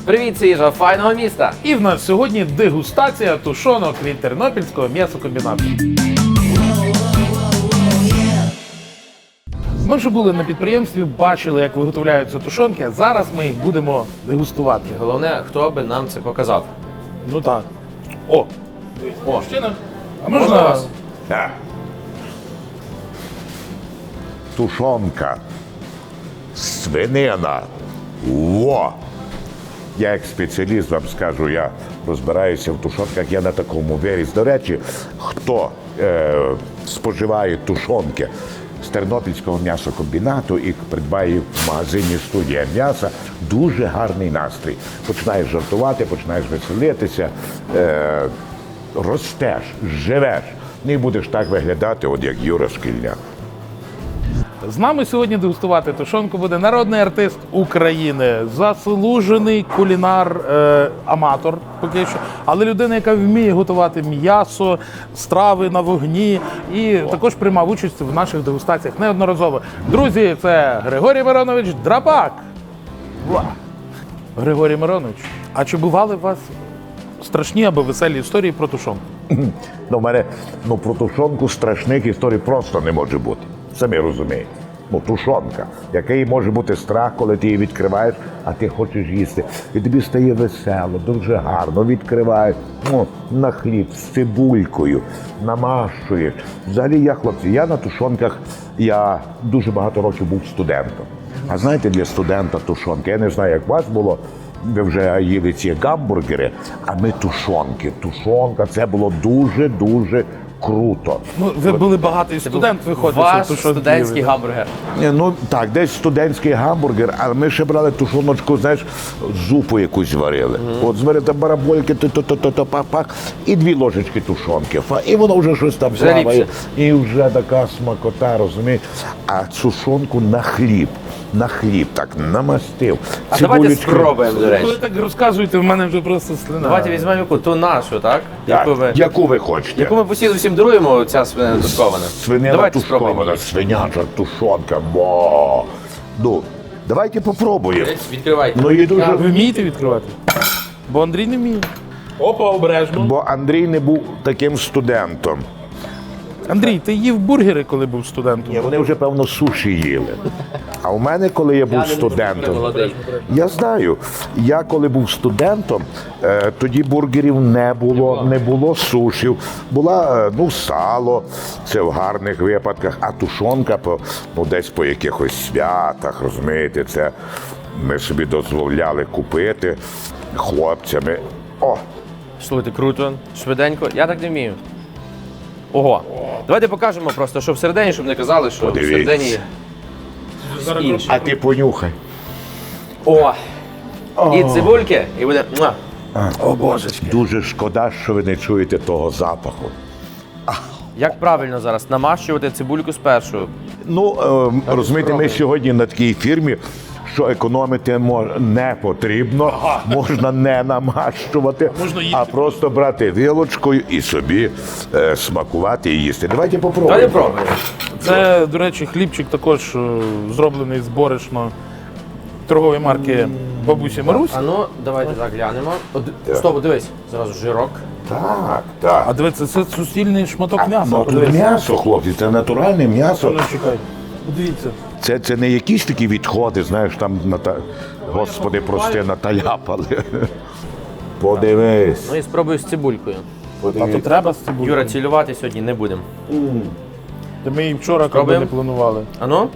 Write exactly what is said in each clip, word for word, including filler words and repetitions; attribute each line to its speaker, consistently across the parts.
Speaker 1: Привіт, це їжа файного міста.
Speaker 2: І в нас сьогодні дегустація тушонок від Тернопільського м'ясокомбінату. Ми вже були на підприємстві, бачили, як виготовляються тушонки, а зараз ми їх будемо дегустувати.
Speaker 1: Головне, хто би нам це показав.
Speaker 2: Ну так. О!
Speaker 1: О,
Speaker 2: А
Speaker 1: можна
Speaker 2: можна
Speaker 1: вас?
Speaker 3: Да. Тушонка. Свинина. Во! Я як спеціаліст вам скажу, я розбираюся в тушонках, я на такому виріс. До речі, хто е, споживає тушонки з Тернопільського м'ясокомбінату і придбає їх в магазині «Студія м'яса», дуже гарний настрій. Починаєш жартувати, починаєш веселитися, е, ростеш, живеш. Не будеш так виглядати, от як Юра Шкільняк.
Speaker 2: З нами сьогодні дегустувати тушонку буде народний артист України, заслужений кулінар, е, аматор поки що, але людина, яка вміє готувати м'ясо, страви на вогні і також приймав участь в наших дегустаціях неодноразово. Друзі, це Григорій Миронович Драпак. Уа! Григорій Миронович, а чи бували у вас страшні або веселі історії про тушонку?
Speaker 3: Ну, в мене ну, про тушонку страшних історій просто не може бути. Самі розумієте. Ну, тушонка. Який може бути страх, коли ти її відкриваєш, а ти хочеш їсти. І тобі стає весело, дуже гарно. Відкриваєш ну, на хліб з цибулькою, намащуєш. Взагалі я, хлопці, я на тушонках, я дуже багато років був студентом. А знаєте, для студента тушонка, я не знаю, як у вас було, ви вже їли ці гамбургери, а ми тушонки. Тушонка, це було дуже-дуже круто.
Speaker 2: Ну, ви були багатий студент, виходить,
Speaker 1: Ваш
Speaker 2: що тушонки
Speaker 1: студентський
Speaker 2: їли.
Speaker 1: гамбургер.
Speaker 3: Ні, ну так, десь студентський гамбургер, але ми ще брали тушоночку, знаєш, зупу якусь варили. От зварити барабольки, то-то-то-то, пах-пах, і дві ложечки тушонки. Фа, і воно вже щось там
Speaker 1: Вже
Speaker 3: плаває.
Speaker 1: ліпше.
Speaker 3: І вже така смакота, розумієш? А тушонку на хліб, на хліб так намастив.
Speaker 1: А давайте
Speaker 3: Цибулечки.
Speaker 1: спробуємо, до
Speaker 2: Ви
Speaker 1: речі.
Speaker 2: так розказуєте, в мене вже просто слина.
Speaker 1: Давайте візьмемо яку, ту нашу, так?
Speaker 3: Так,
Speaker 1: Яку ви,
Speaker 3: яку ви хочете?
Speaker 1: яку ми постійно всім даруємо, ця свинина тушкована.
Speaker 3: Свинина
Speaker 1: Давайте спробуємо.
Speaker 3: тушкована, свиняча тушонка, бо. Ну, давайте попробуємо.
Speaker 1: Десь відкривайте.
Speaker 3: Ну, і дуже...
Speaker 2: Ви вмієте відкривати? Бо Андрій не вміє. Опа, обережно.
Speaker 3: Бо Андрій не був таким студентом.
Speaker 2: Андрій, ти їв бургери, коли був студентом?
Speaker 3: Ні, вони вже, певно, суші їли. А у мене, коли я був студентом,
Speaker 1: Молодий.
Speaker 3: я знаю, я коли був студентом, е, тоді бургерів не було, не було сушів. Була, е, ну, сало, це в гарних випадках, а тушонка по, ну, десь по якихось святах, розумієте, це ми собі дозволяли купити хлопцями. О,
Speaker 1: Слухайте, круто, швиденько. Я так не вмію. Ого. Давайте покажемо просто, що всередині, щоб не казали, що
Speaker 3: Подивіться.
Speaker 1: всередині інше.
Speaker 3: а ти понюхай.
Speaker 1: О! І цибульки, і буде. муа.
Speaker 3: О, божечки. Дуже шкода, що ви не чуєте того запаху.
Speaker 1: Як правильно зараз намащувати цибульку спершу?
Speaker 3: Ну, е, розумієте, ми сьогодні на такій фірмі, що економити мож- не потрібно, можна не намащувати,
Speaker 2: Можна їсти
Speaker 3: а просто брати вилочкою і собі е, смакувати і їсти. Давайте
Speaker 1: Давайте
Speaker 3: попробуємо.
Speaker 1: пробуємо.
Speaker 2: Це, до речі, хлібчик також е, зроблений з борошна торгової марки Бабусі Марусь.
Speaker 1: А ну, давайте так глянемо. От, стоп, дивись, зразу жирок.
Speaker 3: Так, так.
Speaker 2: А дивіться, це суцільний шматок м'яса.
Speaker 3: Ну, тут
Speaker 2: Подивіться.
Speaker 3: м'ясо, хлопці, це натуральне м'ясо.
Speaker 2: Ну, чекай. Подивіться.
Speaker 3: Це, це не якісь такі відходи, знаєш, там, ната... Господи, прости, наталяпали. Подивись.
Speaker 1: Ну і спробую з цибулькою.
Speaker 2: А то треба з цибулею.
Speaker 1: Юра, цілювати сьогодні не будемо.
Speaker 2: Та ми і вчора коли
Speaker 1: Пробуємо?
Speaker 2: не планували.
Speaker 1: А ну?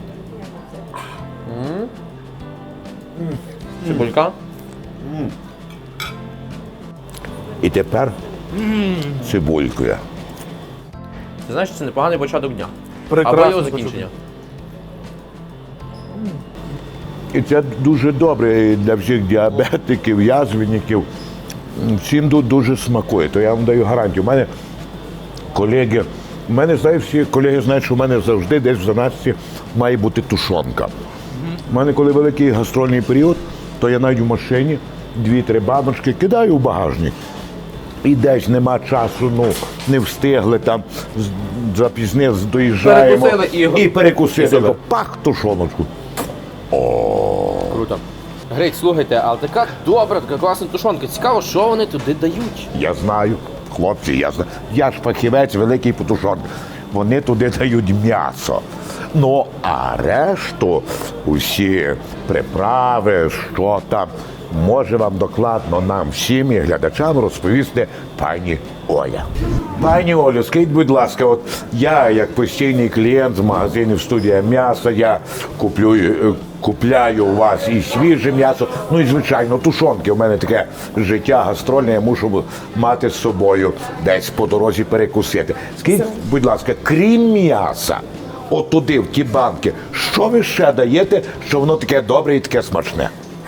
Speaker 1: М. Цибулька.
Speaker 3: І тепер цибулькою.
Speaker 1: Ти знаєш, це непоганий початок дня.
Speaker 2: Прекрасно
Speaker 1: Або його закінчення.
Speaker 3: І це дуже добре і для всіх діабетиків, язвенників. Всім тут дуже смакує, то я вам даю гарантію. У мене колеги, у мене, знають, всі колеги знають, що в мене завжди десь в заначці має бути тушонка. У мене, коли великий гастрольний період, то я навіть в машині дві-три баночки кидаю в багажник. І десь нема часу, ну, не встигли там, з- запізнились, доїжджаємо.
Speaker 1: Перекусили і-
Speaker 3: і перекусили.
Speaker 1: і супер.
Speaker 3: То пах, тушоночку.
Speaker 1: Круто. Грить, слухайте, але така добра, така класна тушонка. Цікаво, що вони туди дають.
Speaker 3: Я знаю, хлопці, я знаю. Я ж фахівець великий по тушонці. Вони туди дають м'ясо. Ну, а решту, усі приправи, що там, може вам докладно нам всім і глядачам розповісти пані Оля. Пані Олю, скажіть, будь ласка, от я, як постійний клієнт з магазинів «Студія м'яса», я куплю, е, купляю у вас і свіже м'ясо, ну і, звичайно, тушонки. У мене таке життя гастрольне, я мушу мати з собою десь по дорозі перекусити. Скажіть, будь ласка, крім м'яса, от туди, в ті банки, що ви ще даєте, що воно таке добре і таке смачне?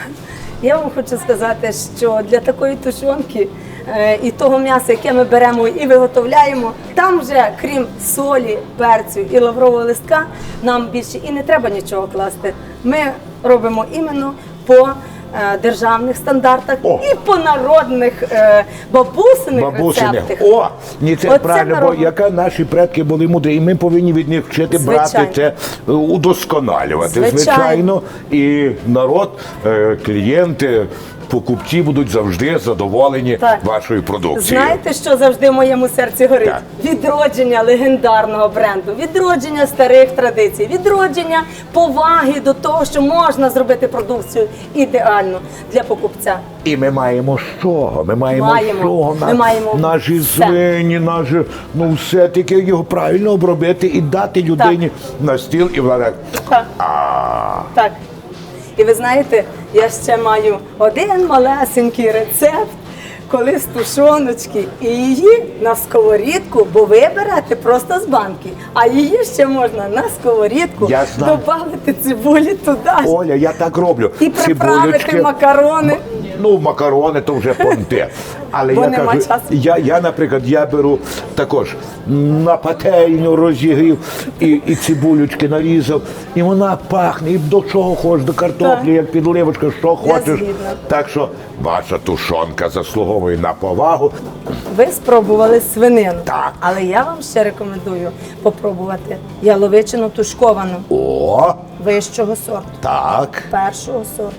Speaker 4: Я вам хочу сказати, що для такої тушонки е, і того м'яса, яке ми беремо і виготовляємо, там вже, крім солі, перцю і лаврового листка, нам більше і не треба нічого класти. Ми робимо іменно по е, державних стандартах
Speaker 3: О!
Speaker 4: і по народних е, бабусиних
Speaker 3: Бабусиних.
Speaker 4: рецептах.
Speaker 3: О, ні, це
Speaker 4: Оце
Speaker 3: правильно, бо
Speaker 4: народ-
Speaker 3: яка наші предки були мудрі, і ми повинні від них вчити брати
Speaker 4: Звичайно.
Speaker 3: це, е, удосконалювати.
Speaker 4: Звичайно.
Speaker 3: Звичайно. І народ, е, клієнти, покупці будуть завжди задоволені
Speaker 4: Так.
Speaker 3: вашою продукцією.
Speaker 4: Знаєте, що завжди в моєму серці горить?
Speaker 3: Так.
Speaker 4: Відродження легендарного бренду, відродження старих традицій, відродження поваги до того, що можна зробити продукцію ідеально для покупця.
Speaker 3: І ми маємо з чого? Ми маємо,
Speaker 4: Маємо.
Speaker 3: з чого?
Speaker 4: Ми маємо
Speaker 3: наші
Speaker 4: все.
Speaker 3: свині, наші, ну все таки його правильно обробити і дати людині на стіл, і вона так.
Speaker 4: Так.
Speaker 3: А,
Speaker 4: Так. І ви знаєте, я ще маю один малесенький рецепт, коли з тушоночки і її на сковорідку, бо ви берете просто з банки, а її ще можна на сковорідку
Speaker 3: Я знаю.
Speaker 4: додати цибулі туди.
Speaker 3: Оля, я так роблю.
Speaker 4: І приправити
Speaker 3: Цибулечки.
Speaker 4: макарони.
Speaker 3: Ну, макарони то вже понте. Але
Speaker 4: Бо
Speaker 3: я
Speaker 4: нема
Speaker 3: кажу,
Speaker 4: часу.
Speaker 3: я, я, наприклад, я беру також на пательню розігрів і, і цибулючки нарізав, і вона пахне, і до чого хочеш, до картоплі,
Speaker 4: Так.
Speaker 3: як підливочка, що хочеш.
Speaker 4: згідна.
Speaker 3: Так що ваша тушонка заслуговує на повагу.
Speaker 4: Ви спробували свинину,
Speaker 3: Так.
Speaker 4: але я вам ще рекомендую попробувати яловичину тушковану
Speaker 3: О,
Speaker 4: вищого сорту.
Speaker 3: так.
Speaker 4: Першого сорту.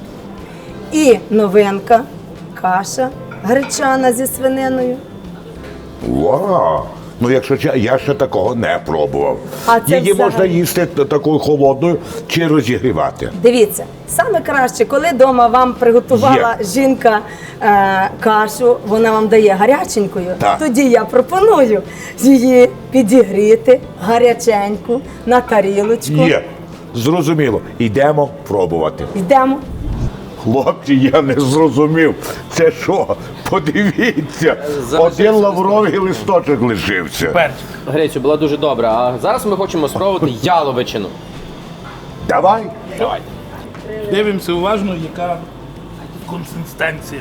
Speaker 4: І новинка каша гречана зі свининою.
Speaker 3: Вау! Ну, якщо чесно, я ще такого не пробував.
Speaker 4: А це
Speaker 3: Її можна
Speaker 4: взагалі-
Speaker 3: їсти такою холодною чи розігрівати.
Speaker 4: Дивіться, саме краще, коли вдома вам приготувала жінка е, кашу, вона вам дає гаряченькою,
Speaker 3: Так.
Speaker 4: тоді я пропоную її підігріти гаряченьку на тарілочку.
Speaker 3: Є, зрозуміло. Йдемо пробувати.
Speaker 4: Йдемо.
Speaker 3: Хлопці, я не зрозумів. Це що? Подивіться,
Speaker 1: Залишився
Speaker 3: один лавровий листочок лишився.
Speaker 2: Перчик.
Speaker 1: Грицю, була дуже добра. А зараз ми хочемо спробувати яловичину.
Speaker 3: Давай.
Speaker 1: Давай.
Speaker 2: Дивимося уважно, яка консистенція.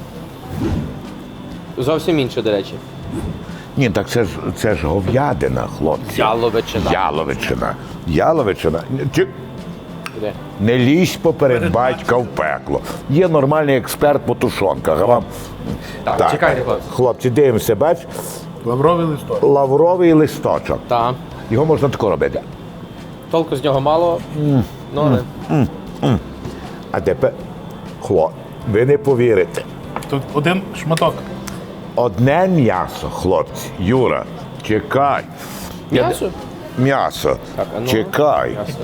Speaker 1: Зовсім інше, до речі.
Speaker 3: Ні, так це ж це ж говядина, хлопці.
Speaker 1: Яловичина.
Speaker 3: Яловичина. Яловичина. Чи-
Speaker 1: Де?
Speaker 3: Не лізь поперед батька в пекло. Є нормальний експерт по тушонках. А вам...
Speaker 1: Так, чекайте, хлопці.
Speaker 3: Хлопці, дивимося, бач,
Speaker 2: Лавровий листок.
Speaker 3: лавровий листочок.
Speaker 1: Так.
Speaker 3: Його можна тако робити.
Speaker 1: Толку з нього мало. Ну, але...
Speaker 3: А тепер, хлоп, ви не повірите.
Speaker 2: Тут один шматок.
Speaker 3: Одне м'ясо, хлопці. Юра, чекай. Я-
Speaker 1: М'ясо?
Speaker 3: М'ясо.
Speaker 1: Так, а ну.
Speaker 3: Чекай.
Speaker 1: М'ясо.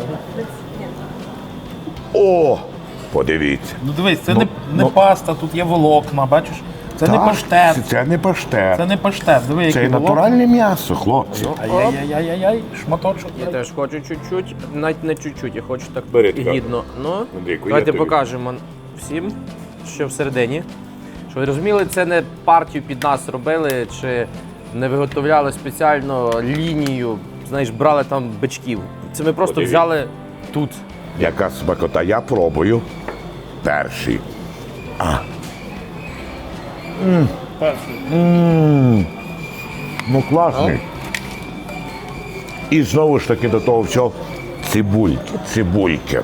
Speaker 3: О, подивіться.
Speaker 2: Ну дивись, це
Speaker 3: Ну,
Speaker 2: не, не
Speaker 3: ну.
Speaker 2: паста, тут є волокна, бачиш? Це не
Speaker 3: Так,
Speaker 2: паштет.
Speaker 3: Це, це не паштет.
Speaker 2: Це не паштет. Диви,
Speaker 3: Це
Speaker 2: який волокна.
Speaker 3: натуральне м'ясо, хлопці.
Speaker 2: Ай-яй-яй-яй-яй, шматочок.
Speaker 1: Я теж хочу чуть-чуть, навіть не чуть-чуть, я хочу так
Speaker 3: Бери тепер.
Speaker 1: гідно. Ну,
Speaker 3: Андрійку,
Speaker 1: давайте
Speaker 3: я тобі.
Speaker 1: покажемо всім, що всередині. Щоб ви розуміли, це не партію під нас робили, чи не виготовляли спеціально лінію, знаєш, брали там бичків. Це ми просто
Speaker 3: Подивіться.
Speaker 1: взяли тут.
Speaker 3: Яка смакота, я пробую. Перший.
Speaker 2: Перший.
Speaker 3: Ну, класний. І знову ж таки до того всього цибульки, цибульки.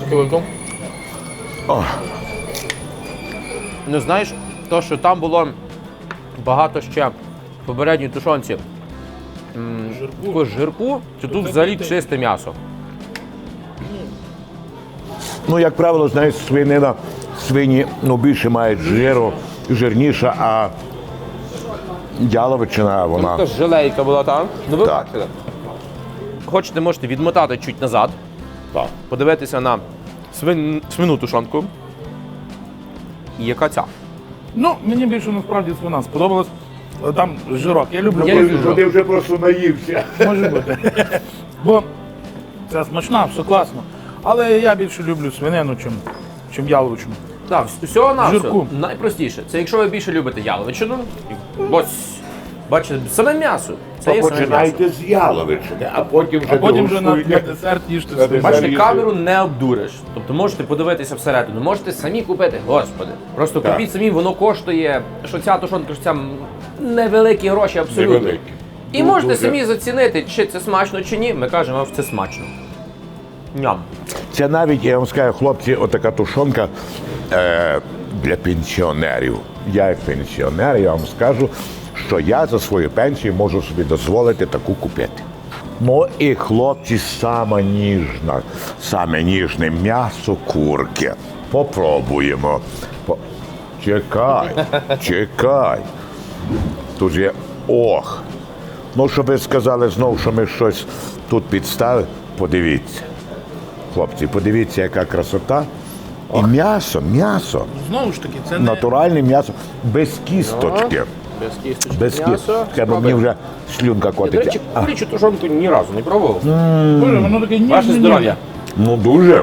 Speaker 1: Ну знаєш, то, що там було багато ще в попередній тушонці м, такого жирку, то тут взагалі чисте м'ясо.
Speaker 3: Ну, як правило, знаєш, свинина свині ну, більше мають жиру, жирніша, а яловичина, вона.
Speaker 1: Така желейка була там. Ну ви
Speaker 3: Так.
Speaker 1: бачите. Хочете, можете відмотати чуть назад,
Speaker 3: Так.
Speaker 1: подивитися на свин... свину тушонку. І яка ця?
Speaker 2: Ну, мені більше насправді свина сподобалась. Там жирок. Я люблю
Speaker 1: Я
Speaker 2: коли
Speaker 1: люблю
Speaker 2: жирок.
Speaker 3: Ти вже просто наївся.
Speaker 2: Може бути. Бо це смачна, все класно. Але я більше люблю свинину, чим, чим яловичину.
Speaker 1: Так, всього на
Speaker 2: Жирку.
Speaker 1: найпростіше. Це якщо ви більше любите яловичину, ось, бачите, саме м'ясо. Це є саме м'ясо.
Speaker 3: Починайте з яловичини, а потім вже
Speaker 2: А потім вже на, на
Speaker 3: дегустуйте.
Speaker 2: десерт їжте
Speaker 3: На
Speaker 2: свинину.
Speaker 3: десерт.
Speaker 1: Бачите,
Speaker 3: Заріжте.
Speaker 1: камеру не обдуриш. Тобто можете подивитися всередину, можете самі купити. Господи, просто
Speaker 3: Так.
Speaker 1: купіть самі, воно коштує, що ця тушонка, що ця м, невеликі гроші абсолютно.
Speaker 3: Невеликі.
Speaker 1: І
Speaker 3: Ну,
Speaker 1: можете
Speaker 3: дуже.
Speaker 1: самі зацінити, чи це смачно, чи ні. Ми кажемо, вам, що це смачно. Ням.
Speaker 3: Це навіть, я вам скажу, хлопці, отака тушонка е, для пенсіонерів. Я як пенсіонер, я вам скажу, що я за свою пенсію можу собі дозволити таку купити. Ну і хлопці, саме ніжна, саме ніжне м'ясо курки. Попробуємо. По... Чекай, чекай. Тут є ох. Ну, щоб ви сказали знову, що ми щось тут підставили, подивіться. Хлопці, подивіться, яка красота. І м'ясо, м'ясо,
Speaker 2: Знову ж таки, це не...
Speaker 3: натуральне м'ясо, без кісточки.
Speaker 1: Без кісточки
Speaker 3: Без
Speaker 1: м'ясо.
Speaker 3: кісточки. Бо мені вже слюнка
Speaker 1: Я, до
Speaker 3: котиться.
Speaker 1: речі, курячу тушонку ні разу не пробував.
Speaker 2: Боже, воно таке ніжне.
Speaker 1: Ваше здоров'я.
Speaker 3: Ну дуже.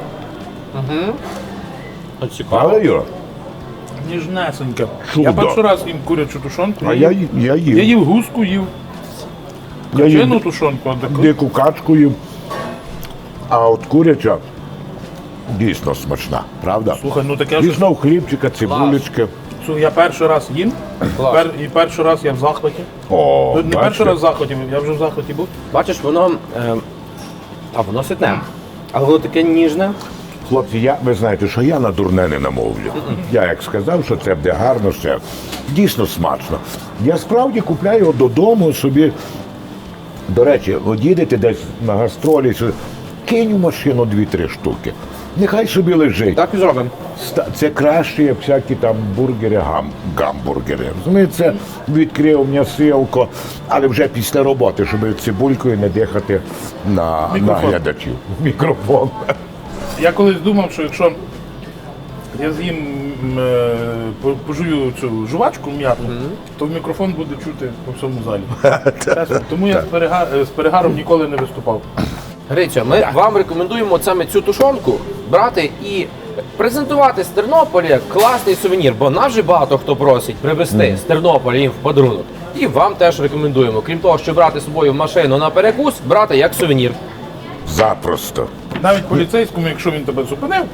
Speaker 1: От цікаво.
Speaker 3: Але Юра,
Speaker 2: Ніжнесеньке.
Speaker 3: Чудо.
Speaker 2: Я перший раз їм курячу тушонку.
Speaker 3: а я, ї- я їв.
Speaker 2: я їв гуску, їв
Speaker 3: Я їв
Speaker 2: качену тушонку, а таку.
Speaker 3: дику качку їв. А от куряча дійсно смачна, правда?
Speaker 2: Слухай, ну таке ж.
Speaker 3: І знов хлібчика, цибулечки.
Speaker 2: Слухай, я перший раз їм,
Speaker 1: Клас.
Speaker 2: пер, і перший раз я в захваті.
Speaker 3: О,
Speaker 2: Ну, не перший
Speaker 3: бачите?
Speaker 2: раз в захваті, я вже в захваті був.
Speaker 1: Бачиш, воно. Е, а воно ситне. Але воно таке ніжне.
Speaker 3: Хлопці, я, ви знаєте, що я на дурне не намовлю. Я як сказав, що це буде гарно, все дійсно смачно. Я справді купляю його додому собі. До речі, от їдете десь на гастролі, сюди, кинь в машину дві-три штуки. Нехай собі лежить.
Speaker 1: Так і зробимо.
Speaker 3: Ста- Це краще, як всякі там бургери, гам, гамбургери. Розумієте, відкрив м'ясилко, але вже після роботи, щоб цибулькою не дихати на, на
Speaker 2: Мікрофон.
Speaker 3: глядачів. Мікрофон.
Speaker 2: Я колись думав, що якщо я з'їм м, е, по- пожую цю жувачку м'ятну, то мікрофон буде чути по всьому залі. Чесно. Тому я з, перега... з перегаром ніколи не виступав.
Speaker 1: Грицьо, ми вам рекомендуємо от саме цю тушонку брати і презентувати з Тернополя як класний сувенір, бо нас же багато хто просить привезти з Тернополя їм в подарунок. І вам теж рекомендуємо. Крім того, що брати з собою в машину на перекус, брати як сувенір.
Speaker 3: Запросто.
Speaker 2: Навіть поліцейському, якщо він тебе зупинив,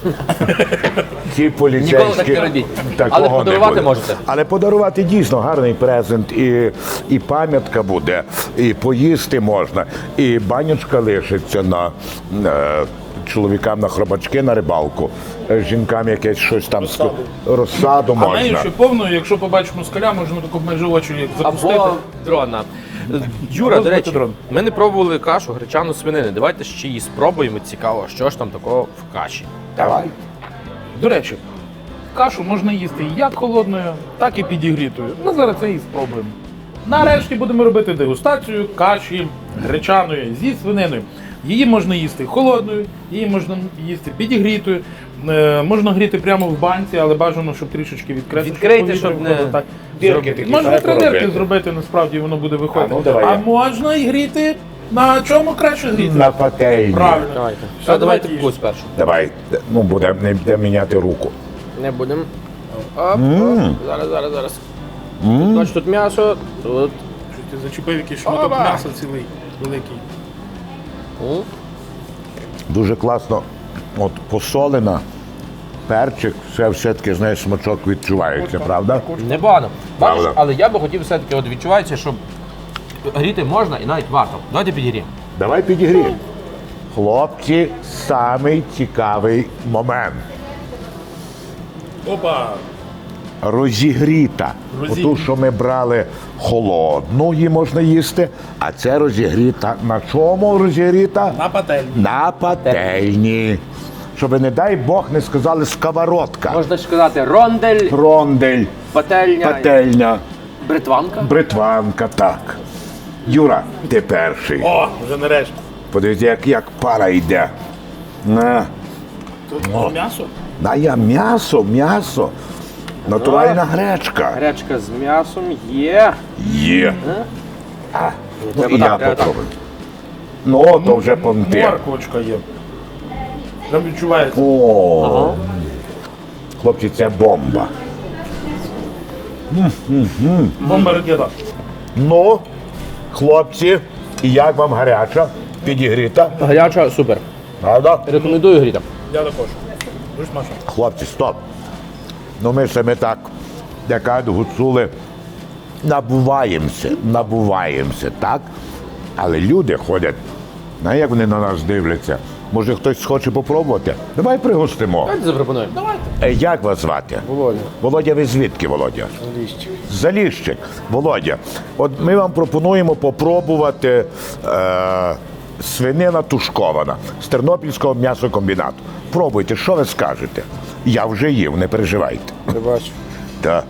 Speaker 3: Ті поліцейські
Speaker 1: Ніколи так не робіть.
Speaker 3: такого
Speaker 1: Але подарувати
Speaker 3: не буде.
Speaker 1: можете.
Speaker 3: Але подарувати дійсно гарний презент, і, і пам'ятка буде, і поїсти можна, і банячка лишиться на е, чоловікам на хробачки на рибалку, е, жінкам якесь щось там розсаду, розсаду
Speaker 2: а нею
Speaker 3: можна.
Speaker 2: ще повною, якщо побачиш москаля, можна таку майже очі як запустити.
Speaker 1: Або дрона. Юра,
Speaker 2: Або
Speaker 1: до речі,
Speaker 2: збити дрон.
Speaker 1: ми не пробували кашу гречану свинини. Давайте ще її спробуємо. Цікаво, що ж там такого в каші.
Speaker 3: Давай.
Speaker 2: До речі, кашу можна їсти як холодною, так і підігрітою. Ну, зараз це і спробуємо. Нарешті будемо робити дегустацію каші гречаної зі свининою. Її можна їсти холодною, її можна їсти підігрітою. Е, можна гріти прямо в банці, але бажано, щоб трішечки відкрити.
Speaker 1: Відкрийте, щоб не
Speaker 2: так.
Speaker 3: Дірки
Speaker 2: зробити.
Speaker 3: такі
Speaker 2: Можна
Speaker 3: треба
Speaker 2: три дирки
Speaker 3: робити.
Speaker 2: зробити, насправді воно буде виходити.
Speaker 3: А, ну, давай
Speaker 2: а
Speaker 3: я.
Speaker 2: можна і гріти. На чому краще гріти?
Speaker 3: На пательні.
Speaker 2: Правильно.
Speaker 1: Давайте.
Speaker 2: Все,
Speaker 1: Все, давайте
Speaker 2: давайте
Speaker 1: вкус першу.
Speaker 3: Давай, ну буде не буде міняти руку.
Speaker 1: Не будемо. Оп, оп. Зараз, зараз, зараз. Бачиш, тут м'ясо, тут.
Speaker 2: Що ти зачепив якийсь шматок
Speaker 1: Оба!
Speaker 2: м'яса цілий, великий.
Speaker 1: М.
Speaker 3: Дуже класно, от посолена, перчик, все все-таки, знаєш, смачок відчувається, правда?
Speaker 1: Непогано. Бачиш,
Speaker 3: Правда.
Speaker 1: але я би хотів все-таки, от відчувається, що гріти можна і навіть варто. Давайте підігріємо.
Speaker 3: Давай підігріємо. Хлопці, самий цікавий момент.
Speaker 2: Опа!
Speaker 3: Розігріта.
Speaker 2: Розігріта.
Speaker 3: Оту, що ми брали холодну, її можна їсти, а це розігріта. На чому розігріта?
Speaker 2: На пательні.
Speaker 3: На пательні. щоб, не дай Бог, не сказали сковородка.
Speaker 1: Можна ж сказати рондель,
Speaker 3: Рондель,
Speaker 1: пательня,
Speaker 3: пательня,
Speaker 1: бритванка.
Speaker 3: бритванка, так. Юра, ти перший.
Speaker 2: О, вже нарешті.
Speaker 3: Подивіться, як, як пара йде. На,
Speaker 2: Тут oh. м'ясо?
Speaker 3: на я м'ясо, м'ясо. Натуральна гречка.
Speaker 1: Гречка з м'ясом є.
Speaker 3: Є. А, ну
Speaker 1: Треба
Speaker 3: і
Speaker 1: так,
Speaker 3: я
Speaker 1: треба так.
Speaker 3: попробую. Ну, то вже понти.
Speaker 2: Морквочка є. Там відчувається.
Speaker 3: О, хлопці, це бомба.
Speaker 2: Бомба ракета.
Speaker 3: Ну, хлопці, і як вам гаряча, підігріта,
Speaker 1: Гаряча, супер.
Speaker 3: правда?
Speaker 1: Рекомендую гріти.
Speaker 2: Я також. Дуже смачно.
Speaker 3: Хлопці, стоп. Ну ми самі так, як кажуть гуцули, набуваємося, набуваємося, так? Але люди ходять, на як вони на нас дивляться. Може хтось хоче попробувати? Давай пригостимо.
Speaker 1: Давайте запропонуємо. Давайте.
Speaker 3: Е, Як вас звати?
Speaker 1: Володя.
Speaker 3: Володя, ви звідки, Володя? Заліщик. Заліщик. Володя, от ми вам пропонуємо попробувати е, свинина тушкована з Тернопільського м'ясокомбінату. Пробуйте, що ви скажете? Я вже їв, не переживайте.
Speaker 5: Я бачу.
Speaker 3: Так.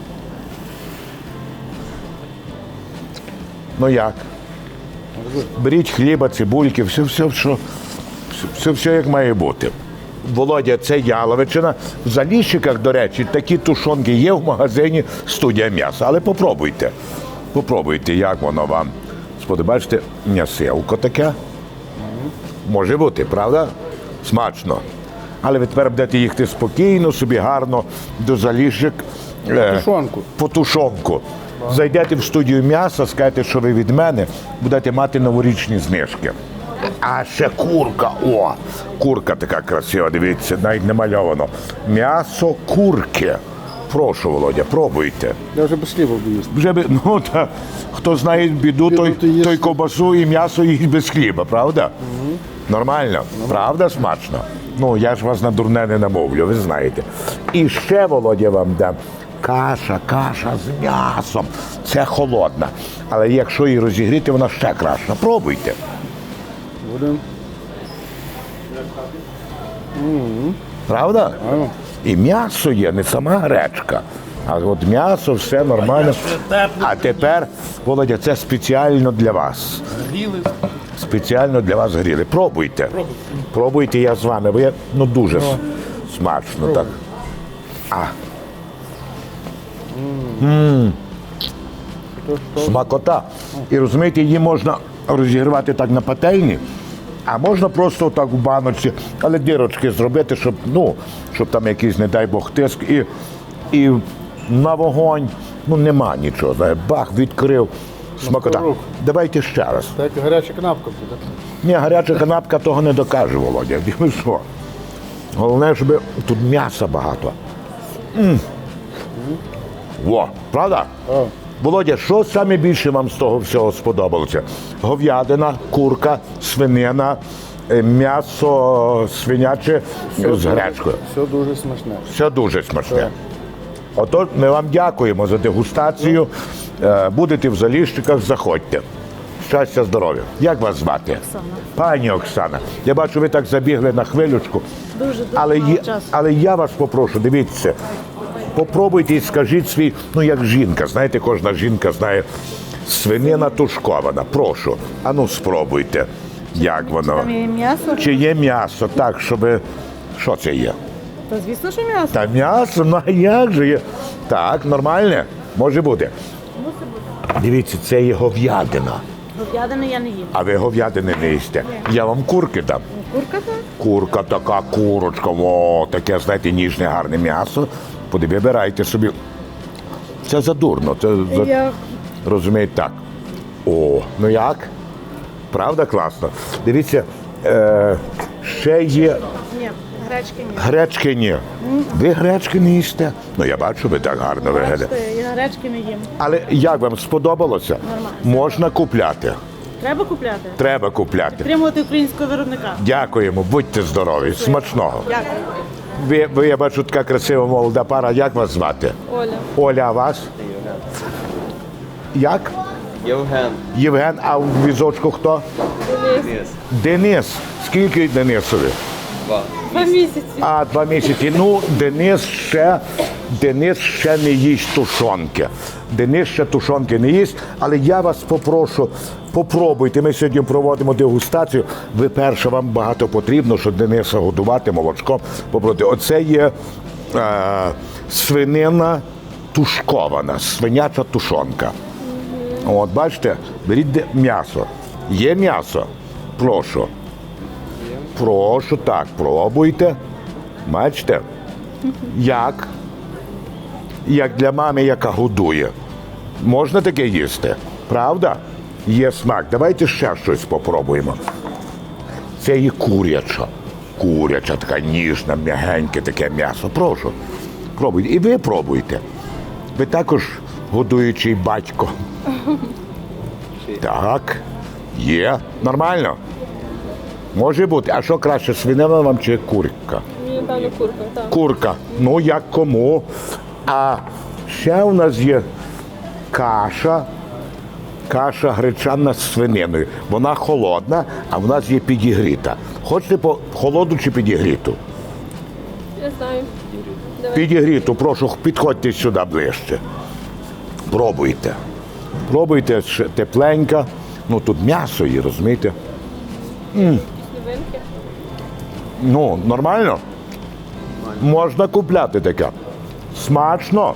Speaker 3: Ну як? Беріть хліба, цибульки, все, все, що, все, все, все як має бути. Володя, це яловичина. В Заліщиках, до речі, такі тушонки є в магазині «Студія м'яса». Але попробуйте. Попробуйте, як воно вам сподобається. М'ясилко таке. Може бути, правда? Смачно. Але ви тепер будете їхати спокійно, собі гарно до Заліщик. е,
Speaker 5: Тушонку.
Speaker 3: По тушонку. Зайдете в студію м'яса, скажете, що ви від мене, будете мати новорічні знижки. А ще курка. О, курка така красива, дивіться, навіть намальовано. М'ясо курки. Прошу, Володя, пробуйте.
Speaker 5: Я вже без хліба буду їсти.
Speaker 3: Вже би, ну, та, хто знає біду, той,
Speaker 5: то їсть.
Speaker 3: той ковбасу і м'ясо їсть без хліба, правда? Нормально? Правда смачно? Ну, я ж вас на дурне не намовлю, ви знаєте. І ще, Володя, вам дам. Каша, каша з м'ясом. Це холодна. Але якщо її розігріти, вона ще краща. Пробуйте.
Speaker 5: Будемо.
Speaker 3: Правда? І м'ясо є, не сама гречка. А от м'ясо, все нормально. А тепер, Володя, це спеціально для вас.
Speaker 2: Гріли.
Speaker 3: Спеціально для вас гріли. Пробуйте. Пробуйте, я з вами, бо я ну дуже с- смачно так. А. М. Смакота. І розумієте, її можна розігрівати так на пательні, а можна просто так в баночці, але дірочки зробити, щоб, ну, щоб там якийсь, не дай Бог, тиск. І, і на вогонь, ну нема нічого. знає, Бах, відкрив. Смакота.
Speaker 5: рук.
Speaker 3: Давайте ще раз.
Speaker 5: Так гаряча канапка буде.
Speaker 3: Ні, гаряча канапка того не докаже, Володя. Ви що? Головне, щоб тут м'яса багато. М. Во, правда? Володя, що саме більше вам з того всього сподобалося? Говядина, курка, свинина, е, м'ясо свиняче з гречкою.
Speaker 5: Все дуже смачне.
Speaker 3: Все дуже смачне. Отож, ми вам дякуємо за дегустацію. Е, Будете в Заліщиках, заходьте. Щастя, здоров'я. Як вас звати?
Speaker 6: Оксана.
Speaker 3: Пані Оксана. Я бачу, ви так забігли на хвилючку.
Speaker 6: Дуже дуже
Speaker 3: Але,
Speaker 6: мало
Speaker 3: є,
Speaker 6: часу.
Speaker 3: але я вас попрошу, дивіться, попробуйте і скажіть свій, ну як жінка, знаєте, кожна жінка знає, свинина тушкована. Прошу, а ну спробуйте, як воно.
Speaker 6: Там є м'ясо?
Speaker 3: Чи є м'ясо, так, щоб. Що це є?
Speaker 6: Та звісно, що м'ясо.
Speaker 3: Та м'ясо, ну а як же є? Так, нормальне? Може бути. Дивіться, це є говядина.
Speaker 6: Говядини я не їм.
Speaker 3: А ви говядини не їсте. Я вам курки дам.
Speaker 6: Курка так?
Speaker 3: Курка така, курочка, о, таке, знаєте, ніжне, гарне м'ясо. Поди, вибирайте собі. Це задурно. Це за...
Speaker 6: Я...
Speaker 3: Розумієте, так. О, ну як? Правда класно? Дивіться, е, ще є
Speaker 6: Ні, гречки ні.
Speaker 3: гречки ні. Ви гречки не їсте? Ну я бачу, ви так гарно виглядаєте.
Speaker 6: Бачите, я гречки не їм.
Speaker 3: Але як вам сподобалося?
Speaker 6: Нормально.
Speaker 3: Можна купляти.
Speaker 6: Треба купляти?
Speaker 3: Треба купляти.
Speaker 6: Підтримувати українського виробника.
Speaker 3: Дякуємо, будьте здорові, смачного.
Speaker 6: Дякую.
Speaker 3: Ви, ви, я бачу, така красива молода пара. Як вас звати?
Speaker 6: Оля.
Speaker 3: Оля, а вас? Як?
Speaker 7: Євген.
Speaker 3: Євген, а в візочку хто?
Speaker 7: Денис.
Speaker 3: Денис. Скільки Денисові?
Speaker 7: Два.
Speaker 6: Два місяці.
Speaker 3: А, два місяці. Ну, Денис ще, Денис ще не їсть тушонки. Денис ще тушонки не їсть, але я вас попрошу, попробуйте. Ми сьогодні проводимо дегустацію. Ви перше, вам багато потрібно, щоб Дениса годувати молочком. Попробуйте. Оце є е, свинина тушкована, свиняча тушонка. От, бачите, беріть де- м'ясо. Є м'ясо? Прошу. Прошу, так, пробуйте. Бачите? Як? Як для мами, яка годує. Можна таке їсти? Правда? Є смак. Давайте ще щось попробуємо. Це і куряча. Куряча, така ніжна, м'ягеньке таке м'ясо. Прошу. Пробуйте. І ви пробуйте. Ви також годуючий батько. Так. Є. Нормально? Може бути. А що краще, свинина вам чи курка?
Speaker 6: Мені певно курка, так.
Speaker 3: Курка. Ну, як кому. А ще у нас є каша. Каша гречана з свининою. Вона холодна, а в нас є підігріта. Хочете по холоду чи підігріту?
Speaker 6: Я знаю.
Speaker 3: Підігріту, прошу, підходьте сюди ближче. Пробуйте. Пробуйте, ще тепленька. Ну тут м'ясо є, розумієте?
Speaker 6: Новинки.
Speaker 3: Ну, нормально? Можна купляти таке. Смачно.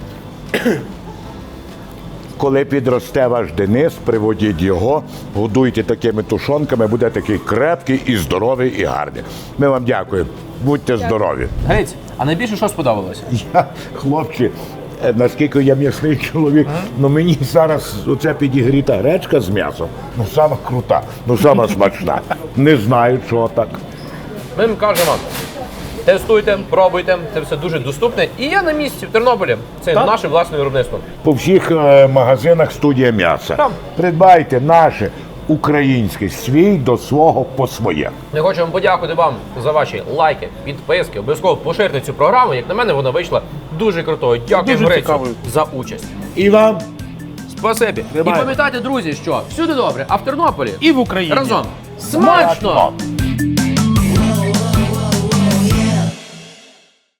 Speaker 3: Коли підросте ваш Денис, приводіть його, годуйте такими тушонками, буде такий крепкий і здоровий, і гарний. Ми вам дякуємо. Будьте здорові.
Speaker 1: Гриць, а найбільше що сподобалося?
Speaker 3: Я, хлопці, е, наскільки я м'ясний чоловік, ну мені зараз оця підігріта гречка з м'ясом, ну сама крута, ну сама смачна. Не знаю, чого так.
Speaker 1: Ми вам кажемо, тестуйте, пробуйте, це все дуже доступне. І я на місці в Тернополі. Це наше власне виробництво.
Speaker 3: По всіх е, магазинах студія м'яса.
Speaker 1: Там.
Speaker 3: Придбайте наше українське, свій до свого по своє.
Speaker 1: Ми хочемо подякувати вам за ваші лайки, підписки. Обов'язково поширте цю програму. Як на мене, вона вийшла дуже крутою. Дякую,
Speaker 2: Дуже
Speaker 1: Грицю,
Speaker 2: цікавою.
Speaker 1: за участь.
Speaker 3: І вам
Speaker 1: Спасибі. І
Speaker 3: Тримайте.
Speaker 1: пам'ятайте, друзі, що всюди добре, а в Тернополі
Speaker 2: І в Україні.
Speaker 1: разом смачно!
Speaker 3: смачно!